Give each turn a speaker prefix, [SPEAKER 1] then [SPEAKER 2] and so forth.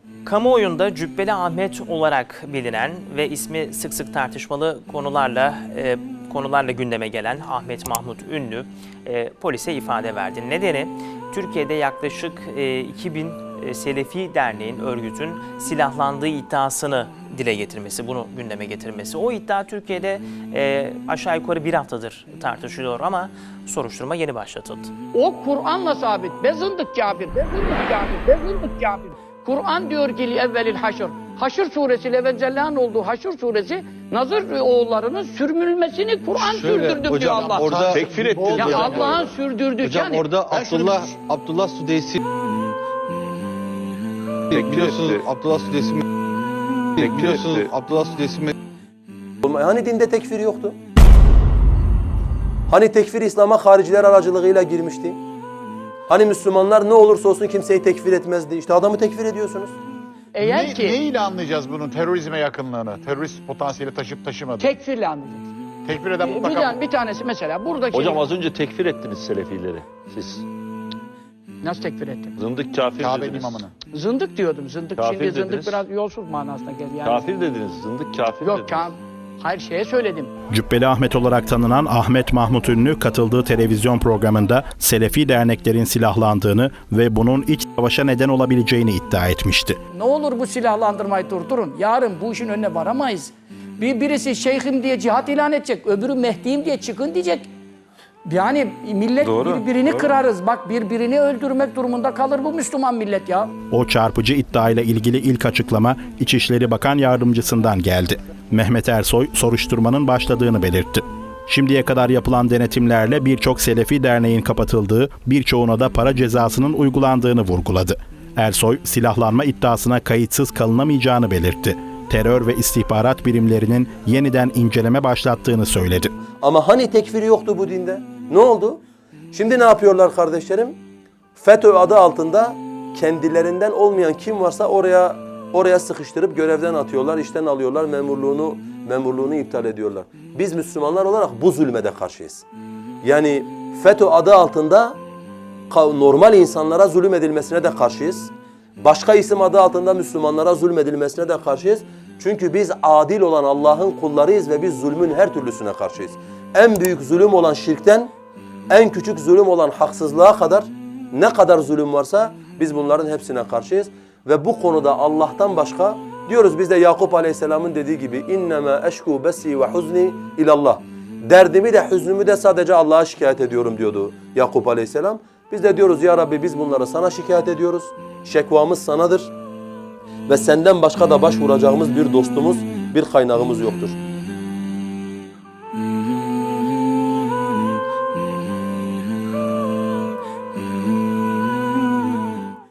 [SPEAKER 1] Kamuoyunda Cübbeli Ahmet olarak bilinen ve ismi sık sık tartışmalı konularla gündeme gelen Ahmet Mahmut Ünlü polise ifade verdi. Nedeni Türkiye'de yaklaşık 2000 Selefi Derneğin, örgütün silahlandığı iddiasını dile getirmesi, bunu gündeme getirmesi. O iddia Türkiye'de aşağı yukarı bir haftadır tartışılıyor ama soruşturma yeni başlatıldı.
[SPEAKER 2] O Kur'an'la sabit. Be zındık kafir, be zındık kafir, be zındık kafir. Kur'an diyor ki evvelil haşr. Haşr suresi, Levencellehan olduğu Haşr suresi, Nazır oğullarının sürmülmesini Kur'an sürdürdü diyor Allah.
[SPEAKER 3] Orada
[SPEAKER 4] tekfir etti.
[SPEAKER 2] Ya Allah'ın sürdürdü.
[SPEAKER 3] Hocam
[SPEAKER 2] yani,
[SPEAKER 3] orada Abdullah Sudeysi biliyorsunuz, Abdullah Sudeysi biliyorsunuz, Abdullah Sudeysi
[SPEAKER 5] Hani dinde tekfir yoktu? Hani tekfir İslam'a hariciler aracılığıyla girmişti? Hani Müslümanlar ne olursa olsun kimseyi tekfir etmezdi? İşte adamı tekfir ediyorsunuz.
[SPEAKER 2] Eğer ki
[SPEAKER 4] Ne ile anlayacağız bunun terörizme yakınlığını? Terörist potansiyeli taşıp taşımadığını?
[SPEAKER 2] tekfirle anlayacaksın.
[SPEAKER 4] Tekfir eden mutlaka...
[SPEAKER 2] Bir tanesi mesela buradaki...
[SPEAKER 6] Hocam az önce tekfir ettiniz Selefileri siz.
[SPEAKER 2] Nasıl tekfir ettin?
[SPEAKER 6] Zındık kafir
[SPEAKER 4] Kabe'nin
[SPEAKER 6] dediniz.
[SPEAKER 4] imamını.
[SPEAKER 2] Zındık diyordum. Zındık
[SPEAKER 6] Kafir
[SPEAKER 2] şimdi zındık
[SPEAKER 6] dediniz.
[SPEAKER 2] biraz yolsuz manasına geldi. Yani,
[SPEAKER 6] Kafir dediniz, zındık kafir
[SPEAKER 2] yok
[SPEAKER 6] dediniz.
[SPEAKER 2] hayır şeye söyledim.
[SPEAKER 7] Cübbeli Ahmet olarak tanınan Ahmet Mahmut Ünlü katıldığı televizyon programında Selefi derneklerin silahlandığını ve bunun iç savaşa neden olabileceğini iddia etmişti.
[SPEAKER 2] Ne olur bu silahlandırmayı durdurun. Yarın bu işin önüne varamayız. Birisi şeyhim diye cihat ilan edecek, öbürü Mehdi'yim diye çıkın diyecek. Yani millet birbirini kırarız. Bak birbirini öldürmek durumunda kalır bu Müslüman millet ya.
[SPEAKER 7] O çarpıcı iddiayla ilgili ilk açıklama İçişleri Bakan Yardımcısından geldi. Mehmet Ersoy soruşturmanın başladığını belirtti. Şimdiye kadar yapılan denetimlerle birçok Selefi derneğin kapatıldığı, birçoğuna da para cezasının uygulandığını vurguladı. Ersoy, silahlanma iddiasına kayıtsız kalınamayacağını belirtti. Terör ve istihbarat birimlerinin yeniden inceleme başlattığını söyledi.
[SPEAKER 5] Ama hani tekfir yoktu bu dinde? Ne oldu? Şimdi ne yapıyorlar kardeşlerim? FETÖ adı altında kendilerinden olmayan kim varsa oraya sıkıştırıp görevden atıyorlar, işten alıyorlar, memurluğunu iptal ediyorlar. Biz Müslümanlar olarak bu zulme de karşıyız. Yani FETÖ adı altında normal insanlara zulüm edilmesine de karşıyız. Başka isim adı altında Müslümanlara zulmedilmesine de karşıyız. Çünkü biz adil olan Allah'ın kullarıyız ve biz zulmün her türlüsüne karşıyız. En büyük zulüm olan şirkten, en küçük zulüm olan haksızlığa kadar ne kadar zulüm varsa biz bunların hepsine karşıyız. Ve bu konuda Allah'tan başka diyoruz biz de Yakup Aleyhisselam'ın dediği gibi innema eşku besi ve huzni ilallah. Derdimi de hüznümü de sadece Allah'a şikayet ediyorum diyordu Yakup Aleyhisselam. Biz de diyoruz ya Rabbi biz bunları sana şikayet ediyoruz. Şekvamız sanadır ve senden başka da başvuracağımız bir dostumuz, bir kaynağımız yoktur.